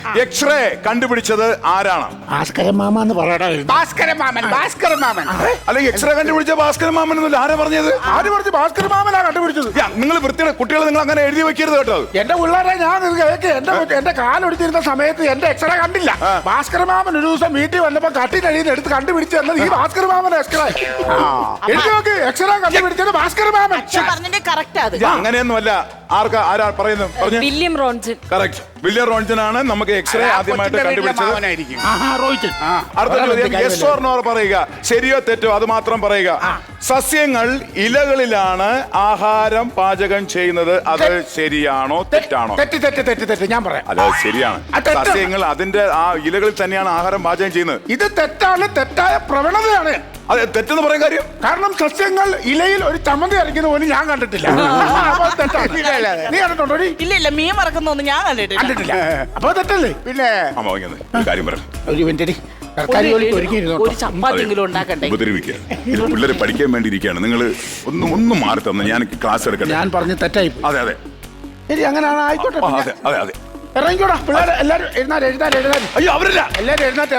X-ray കണ്ടുപിടിച്ചത് ആരാണ്? Bhaskaran mama എന്ന് പറയടാ. ഭാസ്കരൻ മാമൻ. അല്ലെങ്കിൽ എക്സ്റേ കണ്ടുപിടിച്ച ഭാസ്കരൻ മാമൻ എന്നല്ല ആരാ പറഞ്ഞത്? ആര് പറഞ്ഞു ഭാസ്കരൻ മാമനാ കണ്ടുപിടിച്ചത്? നിങ്ങൾ വൃത്തിയുടെ കുട്ടികളെ നിങ്ങൾ അങ്ങനെ എഴുതി വെക്കരുത് കേട്ടോ. എന്റെ പിള്ളേരെ ഞാൻ എന്റെ കാലൊടിച്ചിരുന്ന സമയത്ത് എന്റെ എക്സ്റേ കണ്ടില്ല. ഭാസ്കരൻ മാമൻ ഒരു ദിവസം വീട്ടിൽ വന്നപ്പോ കട്ടിനടിയിൽ എടുത്ത് കണ്ടുപിടിച്ച് തന്നത് ഈ ഭാസ്കരൻ മാമൻ എക്സ്റേ. എനിക്ക് നോക്ക് എക്സ്റേ കണ്ടുപിടിച്ചത് ഭാസ്കരൻ മാമൻ. അങ്ങനെയൊന്നുമല്ല. ആരാ പറയുന്നത്? William Ronson. Correct. William Ronson ആണ് നമുക്ക് എക്സ്റേ ആദ്യമായിട്ട് കണ്ടുപിടിച്ചത്. അടുത്ത ചോദ്യം യെസ് ഓർ നോ പറയുക. ശരിയോ തെറ്റോ അത് മാത്രം പറയുക. സസ്യങ്ങൾ ഇലകളിലാണ് ആഹാരം പാചകം ചെയ്യുന്നത്. അത് ശരിയാണോ തെറ്റാണോ? തെറ്റ് ഞാൻ പറയാം. അല്ല ശരിയാണ്. സസ്യങ്ങൾ അതിന്റെ ആ ഇലകളിൽ തന്നെയാണ് ആഹാരം പാചകം ചെയ്യുന്നത്. ഇത് തെറ്റാണ്. തെറ്റായ പ്രവണതയാണ്. അതെ തെറ്റെന്ന് പറയാൻ കാര്യം കാരണം സസ്യങ്ങൾ ഇലയിൽ ഒരു ചമ്മന്തി അരയ്ക്കുന്ന പോലും ഞാൻ കണ്ടിട്ടില്ല. നീ കണ്ടിട്ടുണ്ടോ? ഇല്ല മീൻ മറക്കുന്നൊന്നും ഞാൻ കണ്ടിട്ടില്ല. അപ്പൊ തെറ്റല്ലേ? പിന്നെ കാര്യം പറയാം. ഒരു മിനിറ്റ് ഒരു ചപ്പാത്തിയെങ്കിലും ഉണ്ടാക്കണ്ടേ? പിള്ളേര് പഠിക്കാൻ വേണ്ടി ഇരിക്കുകയാണ്. നിങ്ങൾ ഒന്നും മാറി തന്നെ ഞാൻ ക്ലാസ് എടുക്കട്ടെ. ഞാൻ പറഞ്ഞ് തെറ്റായി. അതെ ശരി അങ്ങനെയാണ്. ആയിക്കോട്ടെ. അതെ ഇറങ്ങിക്കോടാ പിള്ളേരെ. എല്ലാരും എഴുതാൻ. അയ്യോ അവരല്ല. എല്ലാരും എഴുന്നേറ്റ്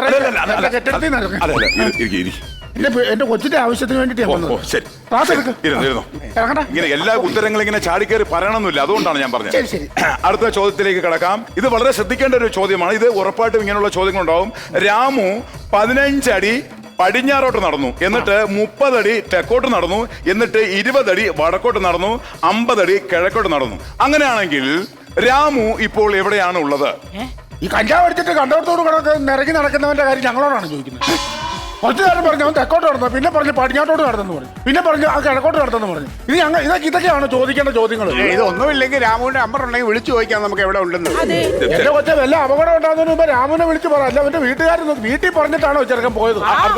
എന്റെ കൊച്ചിന്റെ ആവശ്യത്തിന് വേണ്ടിട്ട് ഇങ്ങനെ എല്ലാ ഉത്തരങ്ങളും ഇങ്ങനെ ചാടിക്കേറി പറയണമെന്നില്ല. അതുകൊണ്ടാണ് ഞാൻ പറഞ്ഞത്. അടുത്ത ചോദ്യത്തിലേക്ക് കടക്കാം. ഇത് വളരെ ശ്രദ്ധിക്കേണ്ട ഒരു ചോദ്യമാണ്. ഇത് ഉറപ്പായിട്ടും ഇങ്ങനെയുള്ള ചോദ്യങ്ങളുണ്ടാവും. രാമു 15 അടി പടിഞ്ഞാറോട്ട് നടന്നു, എന്നിട്ട് 30 അടി തെക്കോട്ട് നടന്നു, എന്നിട്ട് 20 അടി വടക്കോട്ട് നടന്നു, 50 അടി കിഴക്കോട്ട് നടന്നു. അങ്ങനെയാണെങ്കിൽ രാമു ഇപ്പോൾ എവിടെയാണ് ഉള്ളത്? ഈ കഞ്ചാവ് അടിച്ചിട്ട് കണ്ടോടത്തോട് നിറങ്ങി നടക്കുന്നവന്റെ കാര്യം ഞങ്ങളോടാണ് ചോദിക്കുന്നത്. കുറച്ചു നേരം പറഞ്ഞു അവൻ തെക്കോട്ട് നടന്നു, പിന്നെ പറഞ്ഞു പടിഞ്ഞാട്ടോട്ട് നടന്നു പറഞ്ഞു, പിന്നെ പറഞ്ഞു ആ കിഴക്കോട്ട് നടന്നു പറഞ്ഞു. ഇതൊക്കെയാണ് ചോദിക്കേണ്ട ചോദ്യങ്ങൾ. ഇതൊന്നുമില്ലെങ്കിൽ രാമുവിന്റെ നമ്പർ ഉണ്ടെങ്കിൽ വിളിച്ചു ചോദിക്കാം നമുക്ക് എവിടെ ഉണ്ടെന്ന്. എന്റെ കൊച്ചെ വല്ല അപകടം ഉണ്ടാകുന്നതിന് മുമ്പ് രാമുവിനെ വിളിച്ച് പറ. അല്ല അവന്റെ വീട്ടുകാർ വീട്ടിൽ പറഞ്ഞിട്ടാണോ ചെറുക്കൻ പോയത്?